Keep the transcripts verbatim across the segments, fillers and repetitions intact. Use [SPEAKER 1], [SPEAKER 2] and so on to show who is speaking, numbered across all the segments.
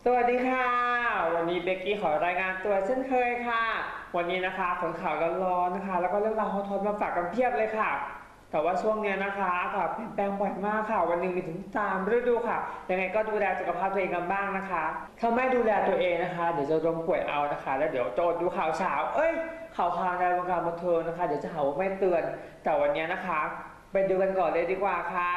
[SPEAKER 1] สวัสดีค่ะวันนี้เบกกี้ขอรายงานตัวเช่นเคยค่ะวันนี้นะคะผลข่าวร้อนๆนะคะแล้วก็เรื่องราวฮอตๆมาฝากกันเพียบเลยค่ะแต่ว่าช่วงเนี้ยนะคะค่ะเปลี่ยนแปลงบ่อยมากค่ะวันหนึ่งมีถึงสามฤดูค่ะยังไงก็ดูแลสุขภาพตัวเองกันบ้างนะคะถ้าไม่ดูแลตัวเองนะคะเดี๋ยวจะล้มป่วยเอานะคะแล้วเดี๋ยวโจดดูข่าวเช้าเอ้ยข่าวคราวในวงการบันเทิงนะคะเดี๋ยวจะหาว่าไม่เตือนแต่วันนี้นะคะไปดูกันก่อนเลยดีกว่าค่ะ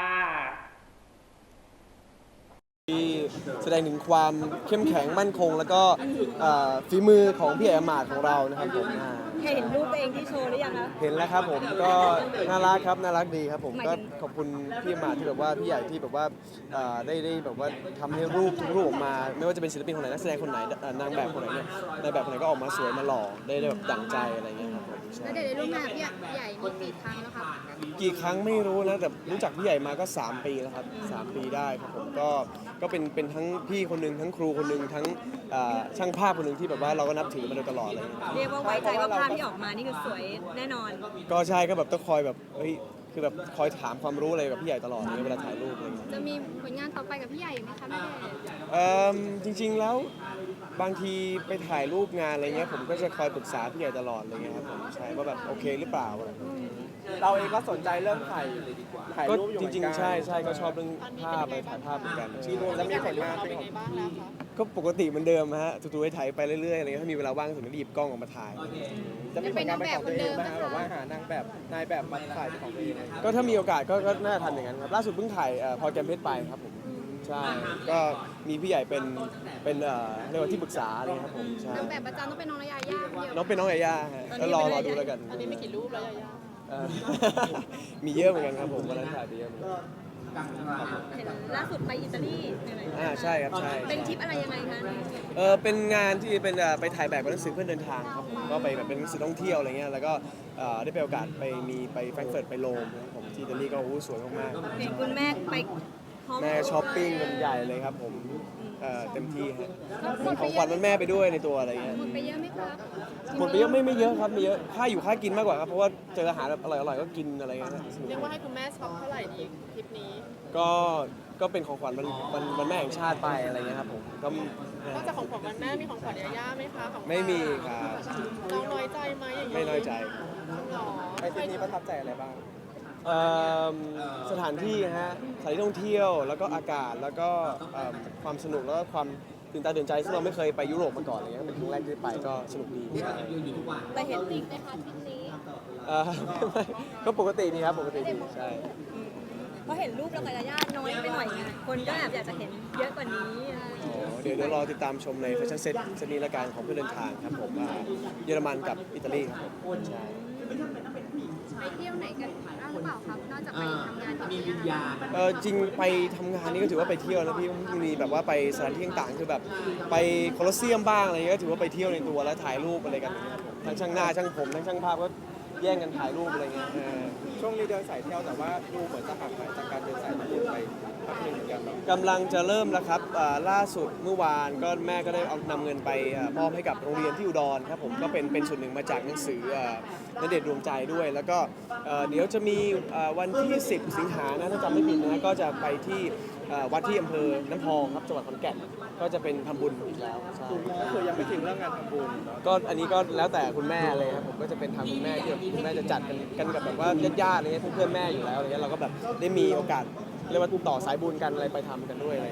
[SPEAKER 2] ที่แสดงถึงความเข้มแข็งมั่นคงแล้วก็ฝีมือของพี่แอมมาดของเรานะครับผม
[SPEAKER 3] เคยเห็นรูปตัวเองที่โชว์หรือยังคะ
[SPEAKER 2] เห็นแล้วครับผมก็น่ารักครับน่ารักดีครับผมก็ขอบคุณพี่แอมมาดที่แบบว่าพี่ใหญ่ที่แบบว่าได้ได้แบบว่าทำให้รูปทุกรูปออกมาไม่ว่าจะเป็นศิลปินคนไหนนักแสดงคนไหนนางแบบคนไหนเนี่ยนางแบบคนไหนก็ออกมาสวยมาหล่อได้แบบดั่งใจอะไรเงี้ยครับผม
[SPEAKER 3] แล้วเดี๋ยวได้ร่วมงานพี่ใหญ่นี่กี่ครั้งแล้วครับ
[SPEAKER 2] กี่ครั้งไม่รู้นะแต่รู้จักพี่ใหญ่มาก็สามปีแล้วครับสามปีได้ครับผมก็ก็เป็นเป็นทั้งพี่คนหนึ่งทั้งครูคนหนึ่งทั้งช่างภาพคนหนึ่งที่แบบว่าเราก็นับถือมาโดยตลอดเลย
[SPEAKER 3] เรียกว่าไว้ใจว่าภาพที่ออกมานี่คือสวยแน่นอน
[SPEAKER 2] ก็ใช่ก็แบบต้องคอยแบบเฮ้ยคือแบบคอยถามความรู้อะไรกับพี่ใหญ่ตลอดเลยเวลาถ่ายรูปอะไรอย่างเงี้ย
[SPEAKER 3] จะมีผลงานต่อไปกับพี่ใหญ่ไหมคะแม่
[SPEAKER 2] เอ่อจริงๆแล้วบางทีไปถ่ายรูปงานอะไรเงี้ยผมก็จะคอยปรึกษาพี่ใหญ่ตลอดอะไรเงี้ยครับผมใช่ว่าแบบโอเคหรือเปล่าอะไร
[SPEAKER 4] เราเองก็สนใจเรื่องถ่ายถ่าย
[SPEAKER 2] ก็
[SPEAKER 4] รูปอยู่
[SPEAKER 2] จริงๆใช่ใช่ก็ชอบเรื่องภาพไปถ่ายภาพเหมือนกัน
[SPEAKER 4] ที่นู่นแล้วมีผลงานเป็นไงบ้างแล้วคะ
[SPEAKER 2] ก็ปกติเหมือนเดิมฮะถูๆไปถ่ายไปเรื่อยๆอะไรเงี้ยถ้ามีเวลาว่างถึงจะหยิบกล้องออกมาถ่าย
[SPEAKER 4] จะมีผลงานเป็นของตัวเองไหมฮะแบบว่าหานางแบบนายแบบมาถ่ายเป็นของตัวเอง
[SPEAKER 2] ก็ถ้ามีโอกาสก็น่าทำอย่างนั้นครับล่าสุดเพิ่งถ่ายพอแกมเพชรไปครับผมใช่ก็มีพี่ใหญ่เป็นเป็นเรียกว่าที่ปรึกษาอะไรครับผมใช่
[SPEAKER 3] นางแบบประจำต้องเป็นน้องยาย่า
[SPEAKER 2] น้องเป็นน้องยาย่าแล้วรอรอดูแล้วกัน
[SPEAKER 3] ตอนนี้มีกี่รูปแล้วยาย่า
[SPEAKER 2] มีเยอะเหมือนกันครับผมวันนั้นถ่ายไปเยอะเหมือนกัน
[SPEAKER 3] เห็นล่าสุดไปอิตาลี
[SPEAKER 2] อ่าใช่ครับใช่
[SPEAKER 3] เป็นทริปอะไรยังไงคะ
[SPEAKER 2] เออเป็นงานที่เป็นไปถ่ายแบบหนังสือเพื่อเดินทางครับผมก็ไปแบบเป็นหนังสือท่องเที่ยวอะไรเงี้ยแล้วก็ได้ไปโอกาสไปมีไปแฟรงก์เฟิร์ตไปโรมนะครับผมที่อิตาลีก็โอ้สวยมาก
[SPEAKER 3] ๆเห็นคุณแม่ไป
[SPEAKER 2] แม่ช้อปปิ้งกันใหญ่เลยครับผมเต็มที่ครับของขวัญวันแม่ไปด้วยในตัวอะไรเงี้ย
[SPEAKER 3] หมดไปเยอะไหมครับ
[SPEAKER 2] หมดไปเยอะไม่ไม่เยอะครับไม่เยอะค่าอยู่ค่ากินมากกว่าครับเพราะว่าเจออาหารอร่อยอร่อยก็กินอะไรเงี้ย
[SPEAKER 5] เรียกว่าให้คุณแม่ช็อปเท่าไหร่ดีทริปนี้
[SPEAKER 2] ก็ก็เป็นของขวัญวันวันวันแม่แห่งชาติไปอะไรเงี้ยครับผมก็
[SPEAKER 5] นอกจากของขวัญวันแม่มีของขวัญยาย่าไหมคะของ
[SPEAKER 2] ไม่มีครับ
[SPEAKER 5] น้องน้อยใจไหมอย่างนี้
[SPEAKER 2] ไม่น้อยใจ
[SPEAKER 4] ไปทริปนี้ประทับใจอะไรบ้าง
[SPEAKER 2] สถานที่ฮะสถานที่ท่องเที่ยวแล้วก็อากาศแล้วก็ความสนุกแล้วก็ความตื่นตาตื่นใจซึ่งเราไม่เคยไปยุโรปมาก่อนอะไรเงี้ยเป็นครั้งแรกที่ไปก็สนุกดี
[SPEAKER 3] ไปเห็นจริงไหมคะทริปนี้
[SPEAKER 2] ก็ปกติดีครับปกติดีใช่
[SPEAKER 3] เพราะเห็นรูปเรากับยาย่าน้อยไปหน่อยไงคนก็แอบอยากจะเห็นเยอะกว่านี้
[SPEAKER 2] เดี๋ยวเดี๋ยวรอติดตามชมในแฟชั่นเซ็ตเซตนี้ละกันของเพื่อเดินทางครับผมเยอรมันกับอิตาลีครับผมใช่
[SPEAKER 3] ไปเที่ยวไหนกันบ้างหรือเปล่าครับนอกจากไปทำงาน
[SPEAKER 2] มีวิญญาณเออจริงไปทำงานนี่ก็ถือว่าไปเที่ยวนะพี่มีแบบว่าไปสถานที่ต่างๆคือแบบไปโคลอสเซียมบ้างอะไรก็ถือว่าไปเที่ยวในตัวแล้วถ่ายรูปอะไรกันทั้งช่างหน้าช่างผมทั้งช่างภาพก็แย่งกันถ่ายรูปอะไรเงี้ย
[SPEAKER 4] ช่วงนี้เดินสายเที่ยวแต่ว่าดูเหมือนจะห่างหายจากการเดินสายที่ไปพักหนึ่งเหมือนกัน
[SPEAKER 2] กำลังจะเริ่มแล้วครับล่าสุดเมื่อวานก็แม่ก็ได้เอานำเงินไปมอบให้กับโรงเรียนที่อุดรครับผมก็เป็นเป็นส่วนหนึ่งมาจากหนังสือณเดชน์ดวงใจด้วยแล้วก็เดี๋ยวจะมีวันที่สิบสิงหานะถ้าจำไม่ผิดนะก็จะไปที่วัดที่อำเภอน้ำพองครับจังหวัดขอนแก่นก็จะเป็นทำบุญอีกแล้วใช่
[SPEAKER 4] ก็คือยังไม่ถึงเรื่องงานทำบุญ
[SPEAKER 2] ก็อันนี้ก็แล้วแต่คุณแม่เลยครับผมก็จะเป็นทางคุณแม่ที่คุณแม่จะจัดกันกันกับแบบว่าญาติๆอะไรเงี้ยเพื่อนแม่อยู่แล้วอะไรเงี้ยเราก็แบบได้มีโอกาสเรียกว่าต่อสายบุญกันอะไรไปทำกันด้วยอะไร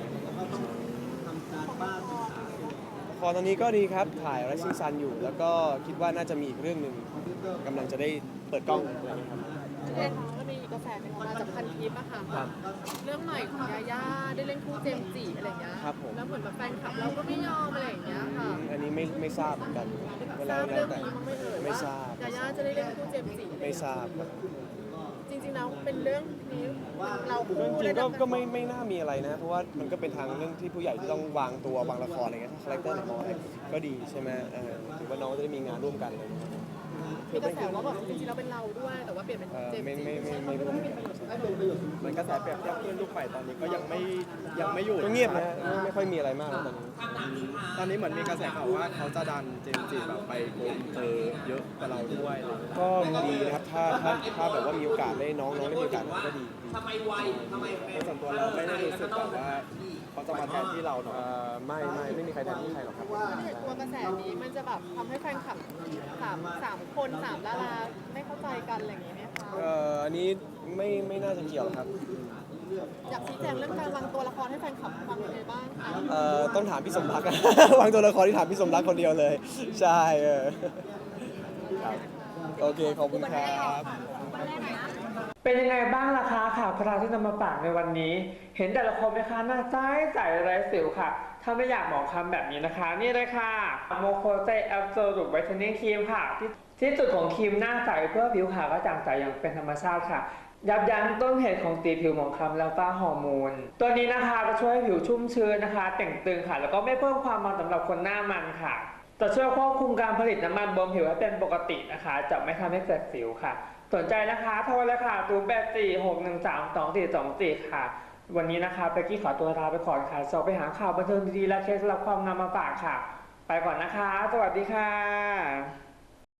[SPEAKER 2] พอตอนนี้ก็ดีครับถ่าย Rising Sun อยู่แล้วก็คิดว่าน่าจะมีอีกเรื่องหนึ่งกำลังจะได้เปิดกล้องอะไรครับ
[SPEAKER 5] เรื่องก็มีกระแสหนึ่งออกมาจากพันทิปอะค่ะเรื่องใหม่ของยาย่าได้เล่นคู่เจมส์จิอะไรอย่างเงี้ยแล้วเหมือนแบบแฟนคลับเราก็ไม่ยอมอะไรอย่างเงี้ยค่ะ
[SPEAKER 2] อันนี้ไม่ไม่ทราบเหมือนกัน
[SPEAKER 5] เทราบเรื่องนี้ไม่เอ่ย
[SPEAKER 2] ไม่ทราบ
[SPEAKER 5] ยาย่าจะได้เล่นคู่เจมส์จิ
[SPEAKER 2] ไม่ทราบ
[SPEAKER 5] จริงๆแล้วเป็นเรื่องนี้เรา
[SPEAKER 2] จริงๆก็ก็ไม่ไม่น่ามีอะไรนะเพราะว่ามันก็เป็นทางเรื่องที่ผู้ใหญ่ที่ต้องวางตัววางละครอะไรเงี้ยคาแรคเตอร์น้อยก็ดีใช่ไหมถือว่าน้องจะได้มีงานร่วมกันเลย
[SPEAKER 5] มีกระแสว่าแบบจริงๆเราเป็นเราด้วยแต่ว่าเปลี่ยนเป็นเจมส์
[SPEAKER 2] ไม่ไม่ไม่ไม่รู้
[SPEAKER 4] มันกระแสเปรียบเทียบเพื่อนลูกใหม่ตอนนี้ก็ยังไม่ยังไม่อยู่
[SPEAKER 2] ก็เงียบนะไม่ค่อยมีอะไรมากตอนนี้
[SPEAKER 4] ตอนนี้เหมือนมีกระแสข่าวว่าเขาจะดันเจมส์จิแบบไปโกลเตอร์เยอะกว่าเราด้วย
[SPEAKER 2] ก็ดีนะครับถ้าถ้าถ้าแบบว่ามีโอกาสได้น้องน้องได้มีโอกาสก็ดี
[SPEAKER 4] ในส่วนตัวเราไม่ได้รู้สึกแบบว่าเขาจะมาแทนที่เราเนาะ
[SPEAKER 2] เอ่อไม่ไม่ไม่มีใครแทนที่ใครหรอกครับ
[SPEAKER 5] ถ้าเกิดตัวกระแสนี้มันจะแบบทำให้แฟนคลับสามสามคนสามดาราไม่เข้าใจกันอะไรอย่างเงี้ยไหมคะ
[SPEAKER 2] เอ่ออันนี้ไม่ไม่น่าจะเกี่ยวหรอกครับ
[SPEAKER 5] อยากชี้แจงเรื่องการวางตัวละครให้แฟนคลับฟังยังไงบ้างคะ
[SPEAKER 2] เอ่อต้องถามพี่สมรัก วางตัวละครที่ถามพี่สมรักคนเดียวเลย ใช่เออครับโอเคขอบคุณครับ
[SPEAKER 1] เป็นยังไงบ้างล่ะคะข่าวคราวที่นำมาฝากในวันนี้ เห็นแต่ละคนไหมคะหน้าใสใสไร้สิวค่ะ ถ้าไม่อยากหมองคล้ำแบบนี้นะคะ นี่เลยค่ะโมโคเซแอปโซลูไวท์เทนนิ่งครีมค่ะ ที่ที่จุดของครีมหน้าใสเพื่อผิวขาวกระจ่างใสอย่างเป็นธรรมชาติค่ะ ยับยั้งต้นเหตุของตีผิวหมองคล้ำแล้วก็ฮอร์โมน ตัวนี้นะคะจะช่วยให้ผิวชุ่มชื้นนะคะแต่งตึงค่ะ แล้วก็ไม่เพิ่มความมันสำหรับคนหน้ามันค่ะ จะช่วยควบคุมการผลิตน้ำมันบนผิวให้เป็นปกตินะคะ จะไม่ทำให้เกิดสิวค่ะ สนใจนะคะโทรเลยค่ะศูนย์ แปด สี่ หก หนึ่ง สาม สอง สี่ สอง สี่ ค่ะ วันนี้นะคะเบกกี้ขอตัวลาไปก่อนค่ะสอบไปหาข่าวบันเทิงดีๆและเคล็ดลับความงามมาฝากค่ะ ไปก่อนนะคะ สวัสดีค่ะ